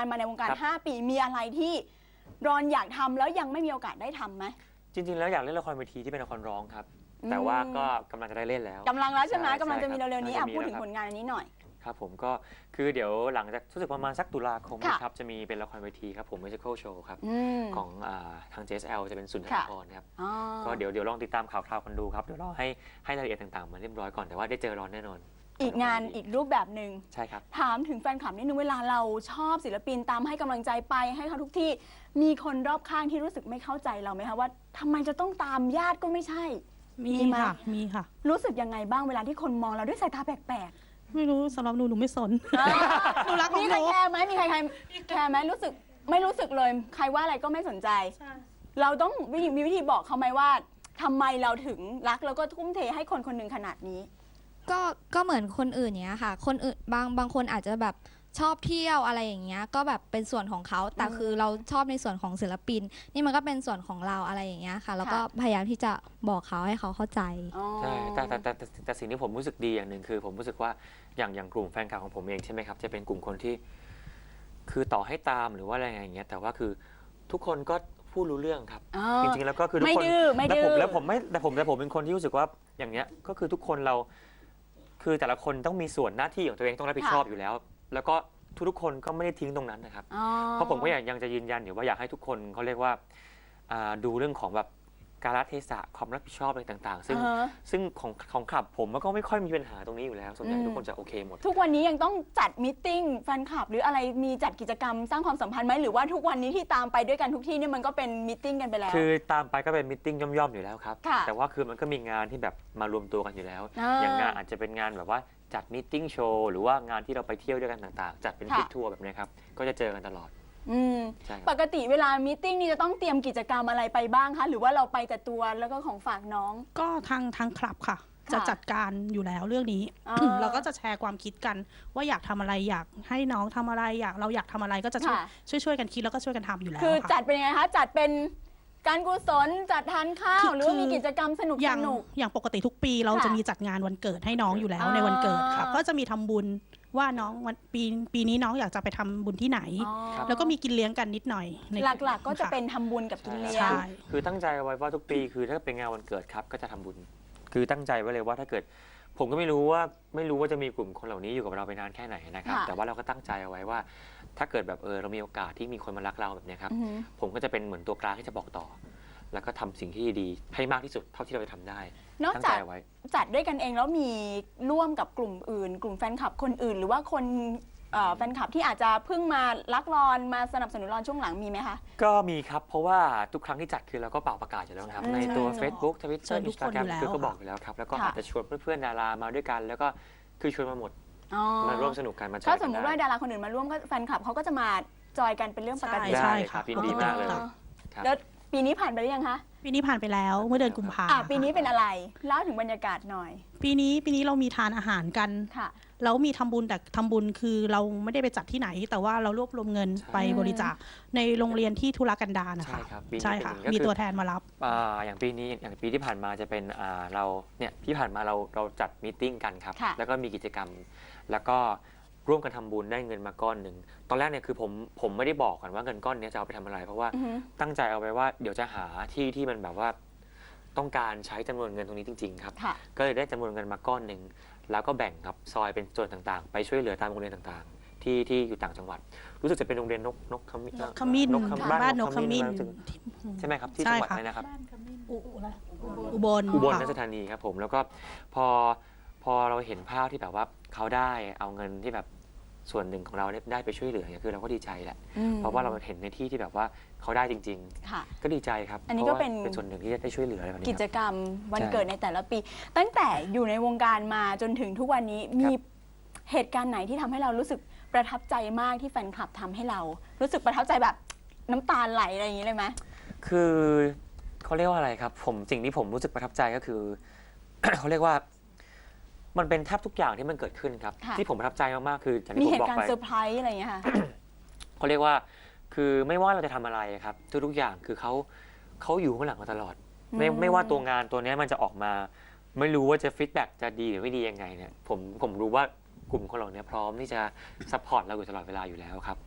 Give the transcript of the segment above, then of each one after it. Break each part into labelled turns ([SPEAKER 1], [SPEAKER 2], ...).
[SPEAKER 1] านมาในวงการ 5 ปีมีอะไรที่รอนอยากทำแล้วยังไม่มีโอกาสได้ทำไหม
[SPEAKER 2] จริงๆแล้วอยากเล่นละครเวทีที่เป็นละครร้องครับแต่ว่าก็กำลังจะได้เล่นแล้ว
[SPEAKER 1] กำลังแล้วใช่ไหมกำลังจะมี
[SPEAKER 2] ใช่
[SPEAKER 1] เร็วๆนี้
[SPEAKER 2] กำลังจะมี
[SPEAKER 1] พูดถึง
[SPEAKER 2] แล้วครับ
[SPEAKER 1] ผลงานอันนี้หน่อย
[SPEAKER 2] ครับผมก็คือเดี๋ยวหลังจากรู้สึกประมาณสักตุลาคมนะครับจะมีเป็นละครเวทีครับผม Musical Show ครับของทาง JSL จะเป็นสุนทรภรณ์ครับก็เดี๋ยวลองติดตามข่าวๆกันดูครับเดี๋ยวรอให้รายละเอียดต่างๆมาเรียบร้อยก่อนแต่ว่าได้เจอร้อนแน่นอน
[SPEAKER 1] อีกงานอีกรูปแบบหนึ่ง
[SPEAKER 2] ใช่ครับ
[SPEAKER 1] ถามถึงแฟนคลับนิดนึงเวลาเราชอบศิลปินตามให้กำลังใจไปให้เขาทุกที่มีคนรอบข้างที่รู้สึกไม่เข้าใจเราไหมคะว่าทำไมจะต้องตามญาติก็ไม่ใช่
[SPEAKER 3] มีค่ะ
[SPEAKER 1] รู้สึกยังไงบ้างเวลาที่คนมองเราด้วยสายตาแปลก
[SPEAKER 3] ๆไม่รู้สำหรับหนูไม่สนหนูรักของหนู
[SPEAKER 1] มีใครแคร์ไหมมีใครแคร์ไหมรู้สึกไม่รู้สึกเลยใครว่าอะไรก็ไม่สนใจเราต้องมีวิธีบอกเขาไหมว่าทำไมเราถึงรักแล้วก็ทุ่มเทให้คนคนหนึ่งขนาดนี้
[SPEAKER 4] ก็เหมือนคนอื่นเนี้ยค่ะคนอื่นบางคนอาจจะแบบชอบเที่ยวอะไรอย่างเงี้ยก็แบบเป็นส่วนของเขาแต่คือเราชอบในส่วนของศิลปินนี่มันก็เป็นส่วนของเราอะไรอย่างเงี้ยค่ะแล้วก็พยายามที่จะบอกเขาให้เขาเข้าใจ
[SPEAKER 2] ใช่แต่สิ่งที่ผมรู้สึกดีอย่างหนึ่งคือผมรู้สึกว่าอย่างกลุ่มแฟนคลับของผมเองใช่ไหมครับจะเป็นกลุ่มคนที่คือต่อให้ตามหรือว่าอะไรอย่างเงี้ยแต่ว่าคือทุกคนก็พูดรู้เรื่องครับจริงๆแล้วก็คือทุกคนแล้วผมเป็นคนที่รู้สึกว่าอย่างเงี้ยก็คือทุกคนเราคือแต่ละคนต้องมีส่วนหน้าที่ของตัวเองต้องรับผิดชอบอยู่แล้วแล้วก็ทุกคนก็ไม่ได้ทิ้งตรงนั้นนะครับเพราะผมก็ยังจะยืนยันอยู่ว่าอยากให้ทุกคนเขาเรียกว่าดูเรื่องของแบบกาลเทศะความรับผิดชอบอะไรต่างๆซึ่งของคลับผมมันก็ไม่ค่อยมีปัญหาตรงนี้อยู่แล้วส่วนใหญ่ทุกคนจะโอเคหมด
[SPEAKER 1] ทุกวันนี้ยังต้องจัดมีตติ้งแฟนคลับหรืออะไรมีจัดกิจกรรมสร้างความสัมพันธ์ไหมหรือว่าทุกวันนี้ที่ตามไปด้วยกันทุกที่เนี่ยมันก็เป็นมีตติ้งกันไปแล้ว
[SPEAKER 2] คือตามไปก็เป็นมีตติ้งย่อมๆอยู่แล้วครับแต่ว่าคือมันก็มีงานที่แบบมารวมตัวกันอยู่แล้วอย่างงานอาจจะเป็นงานแบบว่าจัดมีตติ้งโชว์หรือว่างานที่เราไปเที่ยวด้วยกันต่างๆจัดเป็นทริปทัวร์แบบนี้ครับก็จะเจอกันตลอด
[SPEAKER 1] ปกติเวลามีตติ้งนี่จะต้องเตรียมกิจกรรมอะไรไปบ้างคะหรือว่าเราไปแต่ตัวแล้วก็ของฝากน้อง
[SPEAKER 3] ก็ทางคลับค่ะจะจัดการอยู่แล้วเรื่องนี้เราก็จะแชร์ความคิดกันว่าอยากทำอะไรอยากให้น้องทำอะไรเราอยากทำอะไรก็จะช่วยกันคิดแล้วก็ช่วยกันทำอยู่แล้ว
[SPEAKER 1] คือจัดเป็นยังไงคะจัดเป็นการกุศลจัดทานข้าวหรือว่ามีกิจกรรมสนุก
[SPEAKER 3] อย่างปกติทุกปีเราจะมีจัดงานวันเกิดให้น้องอยู่แล้วในวันเกิดค่ะก็จะมีทำบุญว่าน้องวันปีนี้น้องอยากจะไปทำบุญที่ไหนแล้วก็มีกินเลี้ยงกันนิดหน่อย
[SPEAKER 1] หลักๆก็จะเป็นทำบุญกับกินเลี้ยง
[SPEAKER 2] คือตั้งใจไว้ว่าทุกปีคือถ้าเป็นงานวันเกิดครับก็จะทำบุญคือตั้งใจไว้เลยว่าถ้าเกิดผมก็ไม่รู้ว่าจะมีกลุ่มคนเหล่านี้อยู่กับเราไปนานแค่ไหนนะครับแต่ว่าเราก็ตั้งใจเอาไว้ว่าถ้าเกิดแบบเรามีโอกาสที่มีคนมารักเราแบบนี้ครับผมก็จะเป็นเหมือนตัวกลางที่จะบอกต่อแล้วก็ทำสิ่งที่ดีให้มากที่สุดเท่าที่เราจะทำได้
[SPEAKER 1] นอกจากจัดด้วยกันเองแล้วมีร่วมกับกลุ่มอื่นกลุ่มแฟนคลับคนอื่นหรือว่าคนแฟนคลับที่อาจจะเพิ่งมารักรอนมาสนับสนุนรอนช่วงหลังมีไหมคะ
[SPEAKER 2] ก็มีครับเพราะว่าทุกครั้งที่จัดคือเราก็เป่าประกาศอยู่แล้วครับในตัว Facebook Twitter Instagram คือก็บอกอยู่แล้วครับแล้วก็อาจจะชวนเพื่อนๆดารามาด้วยกันแล้วก็คือชวนมาหมดมาร่วมสนุกกันมาจอยกัน
[SPEAKER 1] ถ้าสมมติว่าดาราคนอื่นมาร่วมก็แฟนคลับเขาก็จะมาจอยกันเป็นเรื่องปกติ
[SPEAKER 2] ใช่ครับยินดีมากเลย
[SPEAKER 1] แล้วปีนี้ผ่านไปหรือยังคะ
[SPEAKER 3] ปีนี้ผ่านไปแล้วเมื่อเดือนกุมภาพันธ์
[SPEAKER 1] ปีนี้เป็นอะไรเล่าถึงบรรยากาศหน่อย
[SPEAKER 3] ปีนี้เรามีทานอาหารกันแล้วมีทำบุญแต่ทำบุญคือเราไม่ได้ไปจัดที่ไหนแต่ว่าเรารวบรวมเงินไปบริจาคในโรงเรียนที่ธุรกันดารนะคะใช่ค่ะมีตัวแทนมารับ
[SPEAKER 2] อย่างปีนี้อย่างปีที่ผ่านมาจะเป็นเราเนี่ยที่ผ่านมาเราจัดมีตติ้งกันครับแล้วก็มีกิจกรรมแล้วก็ร่วมกันทำบุญได้เงินมาก้อนหนึ่งตอนแรกเนี่ยคือผมไม่ได้บอกกันว่าเงินก้อนนี้จะเอาไปทำอะไรเพราะว่าตั้งใจเอาไว้ว่าเดี๋ยวจะหาที่มันแบบว่าต้องการใช้จำนวนเงินตรงนี้จริงๆครับก็เลยได้จำนวนเงินมาก้อนหนึ่งแล้วก็แบ่งครับซอยเป็นส่วนต่างๆไปช่วยเหลือตามโรงเรียนต่างๆที่อยู่ต่างจังหวัดรู้สึกจะเป็นโรงเรียนนกขมิ้น
[SPEAKER 3] บ้านนกขมิ้น
[SPEAKER 2] ใช่ไหมครับที่จังหวัดอะไรนะครับ
[SPEAKER 3] อุบล
[SPEAKER 2] ราชธานีครับผมแล้วก็พอเราเห็นภาพที่แบบว่าเขาได้เอาเงินที่แบบส่วนหนึ่งของเราได้ไปช่วยเหลือเนี่ยคือเราก็ดีใจแหละเพราะว่าเราเห็นในที่แบบว่าเขาได้จริงๆก็ดีใจครับ
[SPEAKER 1] อันนี้ก็เป็น
[SPEAKER 2] ส่วนหนึ่งที่ได้ช่วยเหลืออะไรแบบนี้
[SPEAKER 1] กิจกรรมวันเกิดในแต่ละปีตั้งแต่อยู่ในวงการมาจนถึงทุกวันนี้มีเหตุการณ์ไหนที่ทำให้เรารู้สึกประทับใจมากที่แฟนคลับทำให้เรารู้สึกประทับใจแบบน้ำตาไหลอะไรอย่างนี้เลยไหม
[SPEAKER 2] คือเขาเรียกว่าอะไรครับสิ่งที่ผมรู้สึกประทับใจก็คือ เขาเรียกว่ามันเป็นแทบทุกอย่างที่มันเกิดขึ้นครับที่ผมประทับใจมากๆคืออย่างที่ผมบอกไป
[SPEAKER 1] มีเหตุการณ์เซอร์ไพรส์อะไรอย่างเงี้ยค่ะ
[SPEAKER 2] เขาเรียกว่าคือไม่ว่าเราจะทำอะไรครับทุกอย่างคือเขาอยู่ข้างหลังมาตลอดไม่ว่าตัวงานตัวนี้มันจะออกมาไม่รู้ว่าจะฟีดแบ็กจะดีหรือไม่ดียังไงเนี่ยผมรู้ว่ากลุ่มคนเหล่านี้พร้อมที่จะซัพพอร์ตเราอยู่ตลอดเวลาอยู่แล้วครับ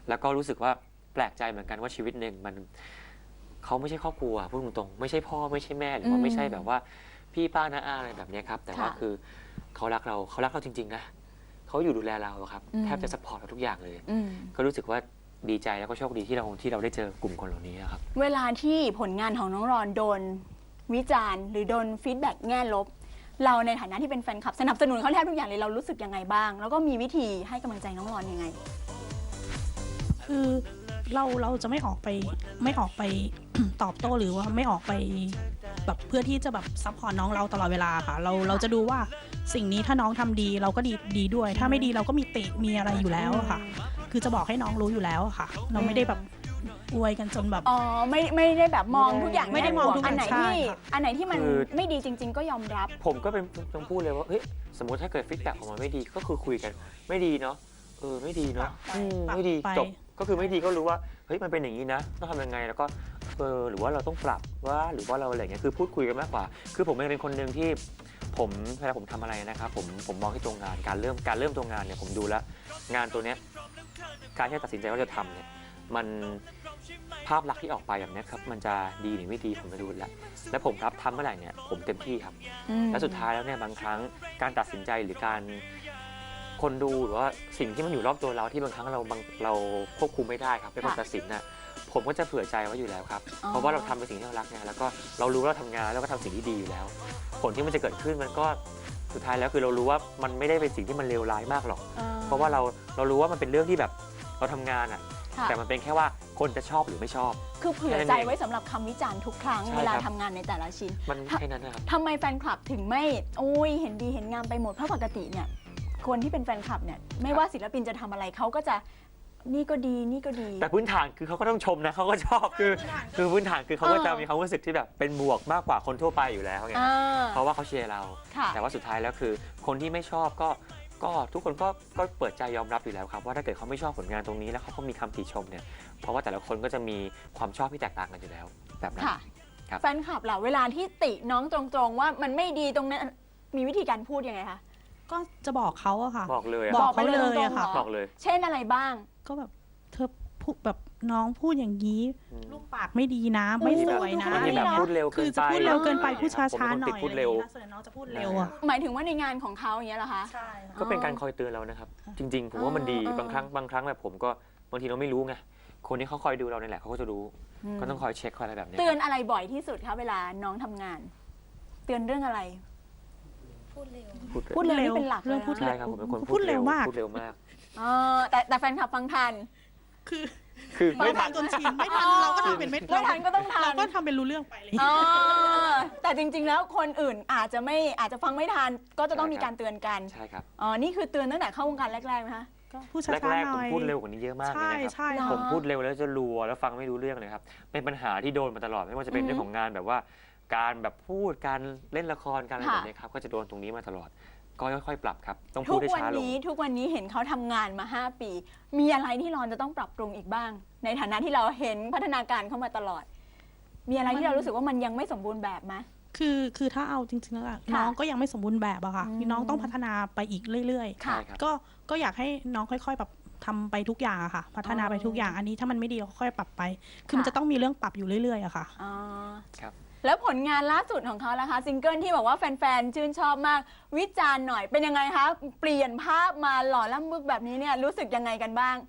[SPEAKER 2] แล้วก็รู้สึกว่าแปลกใจเหมือนกันว่าชีวิตหนึ่งมันเขาไม่ใช่ครอบครัวพูดตรงๆไม่ใช่พ่อไม่ใช่แม่หรือว่าไม่ใช่แบบว่าพี่ป้าน้าอาอะไรแบบนี้ครับแต่ว่าคือเขารักเราจริงๆนะเขาอยู่ดูแลเราครับแทบจะซัพพอร์ตเราทุกอย่างเลยก็รู้สึกว่าดีใจแล้วก็โชคดีที่เราได้เจอกลุ่มคนเหล่านี้ครับ
[SPEAKER 1] เวลาที่ผลงานของน้องรอนโดนวิจารณ์หรือโดนฟีดแบ็กแง่ลบเราในฐานะที่เป็นแฟนคลับสนับสนุนเขาแทบทุกอย่างเลยเรารู้สึกยังไงบ้างแล้วก็มีวิธีให้กำลังใจน้องรอนยังไง
[SPEAKER 3] คือเราจะไม่ออกไป ตอบโต้หรือว่าไม่ออกไปแบบเพื่อที่จะแบบซัพพอร์ตน้องเราตลอดเวลาค่ะเราจะดูว่าสิ่งนี้ถ้าน้องทำดีเราก็ดีด้วย ถ้าไม่ดีเราก็มีติมีอะไรอยู่แล้วค่ะ คือจะบอกให้น้องรู้อยู่แล้วค่ะ เราไม่ได้แบบอวยกันจนแบบ
[SPEAKER 1] ไม่ได้แบบมองทุกอย่าง
[SPEAKER 3] ไม่ได้มองทุกอย่าง
[SPEAKER 1] อันไหนที่มันไม่ดีจริงๆก็ยอมรับ
[SPEAKER 2] ผมก็เป็นต้องพูดเลยว่าเฮ้ยสมมติถ้าเกิดฟีดแบ็กออกมาไม่ดีก็คือคุยกันไม่ดีเนาะไม่ดีเนาะไม่ดีจบก็คือไม่ดีก็รู้ว่าเฮ้ยมันเป็นอย่างนี้นะต้องทำยังไงแล้วก็หรือว่าเราต้องปรับว่าหรือว่าเราอะไรเงี้ยคือพูดคุยกันมากกว่าคือผมเป็นคนหนึ่งที่เวลาผมทำอะไรนะครับผมมองที่ตัวงานการเริ่มตัวงานเนี่ยผมดูแล้วงานตัวเนี้ยการที่ตัดสินใจว่าจะทำเนี่ยมันภาพลักษณ์ที่ออกไปแบบนี้ครับมันจะดีหรือไม่ดีผมจะดูแล้วผมรับทำเมื่อไหร่เนี่ยผมเต็มที่ครับและสุดท้ายแล้วเนี่ยบางครั้งการตัดสินใจหรือการคนดูหรือว่าสิ่งที่มันอยู่รอบตัวเราที่บางครั้งเราควบคุมไม่ได้ครับเป็นคนตัดสินน่ะผมก็จะเผื่อใจไว้อยู่แล้วครับเพราะว่าเราทำเป็นสิ่งที่เรารักไงแล้วก็เรารู้ว่าเราทำงานแล้วก็ทำสิ่งที่ดีอยู่แล้วผลที่มันจะเกิดขึ้นมันก็สุดท้ายแล้วคือเรารู้ว่ามันไม่ได้เป็นสิ่งที่มันเลวร้ายมากหรอกเพราะว่าเรารู้ว่ามันเป็นเรื่องที่แบบเราทำงานอ่ะแต่มันเป็นแค่ว่าคนจะชอบหรือไม่ชอบ
[SPEAKER 1] คือเผื่อใจไว้สำหรับคำวิจารณ์ทุกครั้งเวลาทำงานในแต่ละชิ้น
[SPEAKER 2] มันแค่นั้นนะครับ
[SPEAKER 1] ทำไมแฟนคลับถึงไม่เห็นดีเห็นงามไปหมดเพราะปกติเนี่ยคนที่เป็นแฟนคลับเนี่ยไม่ว่าศิลปินจะทำอะไรเขาก็จะนี่ก็ดีนี่ก็ดี
[SPEAKER 2] แต่พื้นฐานคือเขาก็ต้องชมนะเขาก็ชอบคือพื้นฐานคือเขาก็จะมีความรู้สึกที่แบบเป็นบวกมากกว่าคนทั่วไปอยู่แล้วไงเพราะว่าเขาเชียร์เราแต่ว่าสุดท้ายแล้วคือคนที่ไม่ชอบก็ทุกคนก็เปิดใจยอมรับอยู่แล้วครับว่าถ้าเกิดเขาไม่ชอบผลงานตรงนี้แล้วเขาก็มีคำติชมเนี่ยเพราะว่าแต่ละคนก็จะมีความชอบที่แตกต่างกันอยู่แล้วแบบนั้น
[SPEAKER 1] แฟนคลับล่ะเวลาที่ติน้องตรงๆว่ามันไม่ดีตรงนั้นมีวิธีการพูดยังไงคะ
[SPEAKER 3] ก็จะบอกเขาอะค่ะ
[SPEAKER 2] บอกเลย
[SPEAKER 3] บอกเขาเลยอะค่ะ
[SPEAKER 2] บอกเลย
[SPEAKER 1] เช่นอะไรบ้าง
[SPEAKER 3] ก็แบบเธอพูดแบบน้องพูดอย่างนี้ลูกปากไม่ดีนะไม่สวยนะ
[SPEAKER 2] แบบพูดเร็ว
[SPEAKER 3] คือจะพูดเร็วเกินไปพูดช้าๆหน่อย
[SPEAKER 2] พูดเร็ว
[SPEAKER 3] น้องจะพูดเร็วอะ
[SPEAKER 1] หมายถึงว่าในงานของเขาอย่างเงี้ยเหรอคะ
[SPEAKER 3] ใช่
[SPEAKER 2] ก็เป็นการคอยเตือนเรานะครับจริงๆผมว่ามันดีบางครั้งแบบผมก็บางทีเราไม่รู้ไงคนที่เขาคอยดูเราเนี่ยแหละเขาก็จะรู้ก็ต้องคอยเช็คคอยอะไรแบบนี้
[SPEAKER 1] เตือนอะไรบ่อยที่สุดคะเวลาน้องทำงานเตือนเรื่องอะไร
[SPEAKER 4] พูดเร็ว
[SPEAKER 1] นี่เป็นหลักเลย
[SPEAKER 2] ใช่ครับผมเป็นคน
[SPEAKER 3] พูดเร็วมาก
[SPEAKER 1] แต่แฟนคลับฟังทัน
[SPEAKER 2] คือ
[SPEAKER 3] ไม่ทันจนชินไม่ทันเราก็ทำเป็นไม่
[SPEAKER 1] ทันก็ต้องทัน
[SPEAKER 3] เราก็ทำเป็นรู้เรื่องไปเลย
[SPEAKER 1] แต่จริงๆแล้วคนอื่นอาจจะฟังไม่ทันก็จะต้องมีการเตือนกัน
[SPEAKER 2] ใช่ครับ
[SPEAKER 1] นี่คือเตือนตั้งแต่เข้าวงการแรกๆไหมคะ
[SPEAKER 3] พูดช้าๆหน่อย
[SPEAKER 2] แรกๆผมพูดเร็วกว่านี้เยอะมากเลยนะครับผมพูดเร็วแล้วจะรัวแล้วฟังไม่รู้เรื่องเลยครับเป็นปัญหาที่โดนมาตลอดไม่ว่าจะเป็นเรื่องของงานแบบว่าการแบบพูดการเล่นละครการอะไรแบบนี้ครับก็จะโดนตรงนี้มาตลอดก็ค่อยๆปรับครับต้องพูดให้ช้าลง
[SPEAKER 1] ทุกวันนี้เห็นเขาทำงานมา5 ปีมีอะไรที่รอนจะต้องปรับปรุงอีกบ้างในฐานะที่เราเห็นพัฒนาการเข้ามาตลอดมีอะไรที่เรารู้สึกว่ามันยังไม่สมบูรณ์แบบไหม
[SPEAKER 3] คือถ้าเอาจริงๆแล้วน้องก็ยังไม่สมบูรณ์แบบอะค่ะน้องต้องพัฒนาไปอีกเรื่อยๆก็อยากให้น้องค่อยๆแบบทำไปทุกอย่างอะค่ะพัฒนาไปทุกอย่างอันนี้ถ้ามันไม่ดีก็ค่อยปรับไปคือมันจะต้องมีเรื่องปรับอยู่เรื่อยๆอะค่ะ
[SPEAKER 2] ครับ
[SPEAKER 1] แล้วผลงานล่าสุดของเขาล่ะคะซิงเกิลที่บอกว่าแฟนๆชื่นชอบมากวิจารณ์หน่อยเป็นยังไงคะเปลี่ยนภาพมาหล่อล่ำบึกแบบนี้เนี่ยรู้สึกยังไงกันบ้าง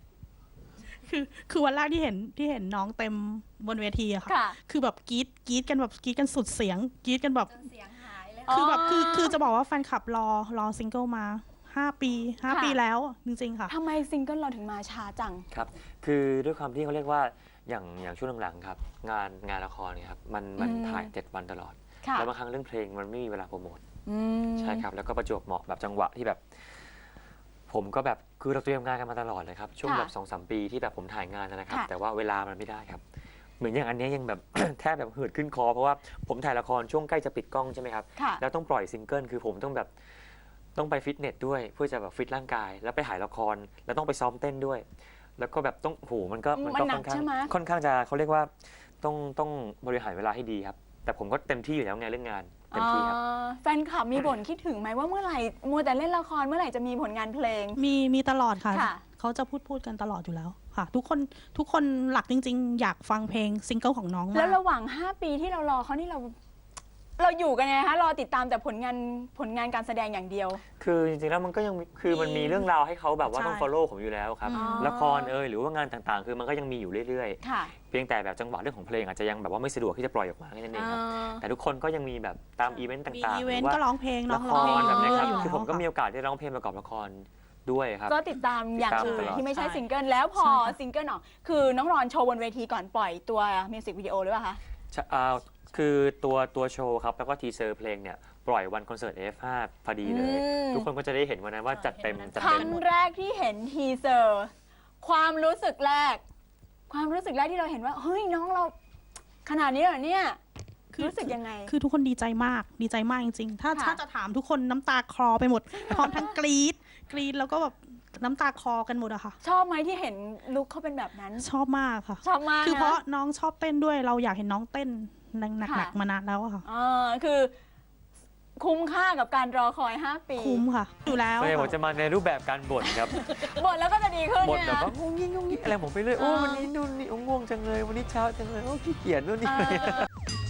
[SPEAKER 3] คือวันแรกที่เห็นน้องเต็มบนเวทีอะค่ะคือแบบกรี๊ดกันแบบกรี๊ดกันสุดเสียงกรี๊ดกันแบบ
[SPEAKER 4] เสียงหายเลย
[SPEAKER 3] คือแบบคือจะบอกว่าแฟนคลับรอซิงเกิลมา5 ปีแล้วจริงๆค่ะ
[SPEAKER 1] ทำไมซิงเกิลเราถึงมาช้าจัง
[SPEAKER 2] ครับคือด้วยความที่เขาเรียกว่าอย่างช่วงหลังๆครับงานละครเนี่ยครับมันถ่าย7 วันตลอดแล้วบางครั้งเรื่องเพลงมันไม่มีเวลาโปรโมทใช่ครับแล้วก็ประจวบเหมาะแบบจังหวะที่แบบผมก็แบบคือเราเตรียมงานกันมาตลอดเลยครับช่วงแบบ2-3 ปีที่แบบผมถ่ายงานนะครับแต่ว่าเวลามันไม่ได้ครับเหมือนอย่างอันนี้ยังแบบ แทบแบบเหือดขึ้นคอเพราะว่าผมถ่ายละครช่วงใกล้จะปิดกล้องใช่ไหมครับแล้วต้องปล่อยซิงเกิลคือผมต้องไปฟิตเนสด้วยเพื่อจะแบบฟิตร่างกายแล้วไปถ่ายละครแล้วต้องไปซ้อมเต้นด้วยแล้วก็แบบต้องมันก็ค่อนข้างจะเขาเรียกว่าต้องบริหารเวลาให้ดีครับแต่ผมก็เต็มที่อยู่แล้วไงเรื่องงานเต็มที่ครับ
[SPEAKER 1] แฟนคลับมีบ่นคิดถึงไหมว่าเมื่อไหร่มัวแต่เล่นละครเมื่อไหร่จะมีผลงานเพลง
[SPEAKER 3] มีตลอดค่ะ
[SPEAKER 1] ค่ะ
[SPEAKER 3] เขาจะพูดกันตลอดอยู่แล้วค่ะ ทุกคนหลักจริง ๆ อยากฟังเพลงซิงเกิลของน้อง
[SPEAKER 1] แล้ว
[SPEAKER 3] มาก
[SPEAKER 1] ระหว่าง 5 ปีที่เรารอเขานี่เราอยู่กันไงคะรอติดตามแต่ผลงานการแสดงอย่างเดียว
[SPEAKER 2] คือจริงๆแล้วมันก็ยังคือมันมีเรื่องราวให้เขาแบบว่าต้อง
[SPEAKER 3] ใช่
[SPEAKER 2] follow ผมอยู่แล้วครับ
[SPEAKER 1] อ๋อ
[SPEAKER 2] ละครหรือว่างานต่างๆ คือมันก็ยังมีอยู่เรื่อย
[SPEAKER 1] ค่ะ
[SPEAKER 2] ๆ เพียงแต่แบบจังหวะเรื่องของเพลงอาจจะยังแบบว่าไม่สะดวกที่จะปล่อยออกมาแค่นั้นเองครับแต่ทุกคนก็ยังมีแบบตามอีเวนต์
[SPEAKER 3] มี
[SPEAKER 2] ต่างๆ
[SPEAKER 3] อี
[SPEAKER 2] ห
[SPEAKER 3] เว
[SPEAKER 2] รื
[SPEAKER 3] น
[SPEAKER 2] อ
[SPEAKER 3] ต์
[SPEAKER 2] ว่า
[SPEAKER 3] ก็ร้องเพลงน้
[SPEAKER 2] ละ
[SPEAKER 3] อง
[SPEAKER 2] ค
[SPEAKER 3] ร้องเพลง
[SPEAKER 2] รแบบนี้ครับ
[SPEAKER 3] อยู่
[SPEAKER 2] คือ
[SPEAKER 3] แล้ว
[SPEAKER 2] ผมก็มี
[SPEAKER 3] ค่ะ
[SPEAKER 2] โอกาสได้ร้องเพลงประกอบละครด้วยครับ
[SPEAKER 1] ก็ติดตามอย่าง
[SPEAKER 2] ติดตาม
[SPEAKER 1] อื่น
[SPEAKER 2] ตลอด
[SPEAKER 1] ที่ไม่ใช่
[SPEAKER 3] ใช่
[SPEAKER 1] ซิงเกิลแล้วพอ
[SPEAKER 3] ใช่ค่ะ
[SPEAKER 1] ซิงเกิลออกคือน้องรอนโชว์บนเวทีก่อนปล่อยตัวมิวสิกวิดีโอหรือเปล่าคะ
[SPEAKER 2] คือตัวโชว์ครับแล้วก็ทีเซอร์เพลงเนี่ยปล่อยวันคอนเสิร์ต F5 พอดีเลย ทุกคนก็จะได้เห็นวันนั้นว่าจัดเต็ม
[SPEAKER 3] เห็นวันนั้น
[SPEAKER 2] จัด
[SPEAKER 1] ค
[SPEAKER 2] เต็
[SPEAKER 1] รั้
[SPEAKER 2] ม
[SPEAKER 1] งแรกที่เห็นทีเซอร์ความรู้สึกแรกที่เราเห็นว่าเฮ้ยน้องเราขนาดนี้เหรอเนี่ยรู้สึกยังไง
[SPEAKER 3] คือทุกคนดีใจมากจริงๆ ถ้า
[SPEAKER 1] ค่ะ
[SPEAKER 3] ถ้าจะถามทุกคนน้ำตาคลอไปหมด พร้อมทั้งกรี๊ดแล้วก็แบบน้ำตาคลอกันหมดอะค่ะ
[SPEAKER 1] ชอบไหมที่เห็นลุคเขาเป็นแบบนั้น
[SPEAKER 3] ชอบมากค่ะ
[SPEAKER 1] ชอบมาก
[SPEAKER 3] คือเพราะ
[SPEAKER 1] น
[SPEAKER 3] น้องชอบเต้นด้วยเราอยากเห็นน้องเต้นหนัก
[SPEAKER 1] ค่ะ
[SPEAKER 3] ๆมานานแล้วอะค่ะ
[SPEAKER 1] คือคุ้มค่ากับการรอคอย 5 ปี
[SPEAKER 3] คุ้มค่ะ อยู่แล้ว
[SPEAKER 2] ไม่ผม
[SPEAKER 3] ค่ะ
[SPEAKER 2] จะมาในรูปแบบการบ่นครับ
[SPEAKER 1] บ่นแล้วก็จะดีขึ้น
[SPEAKER 2] บ่น
[SPEAKER 1] เนี่ย
[SPEAKER 2] แบบ
[SPEAKER 1] นะ
[SPEAKER 2] ว่างงงิ้งอะไรผมไปเรื่อยโอ้วันนี้นู่นนี่ง่วงจังเลยวันนี้เช้าจังเลยโอ้ขี้เกียจนู่นนี่
[SPEAKER 1] เออ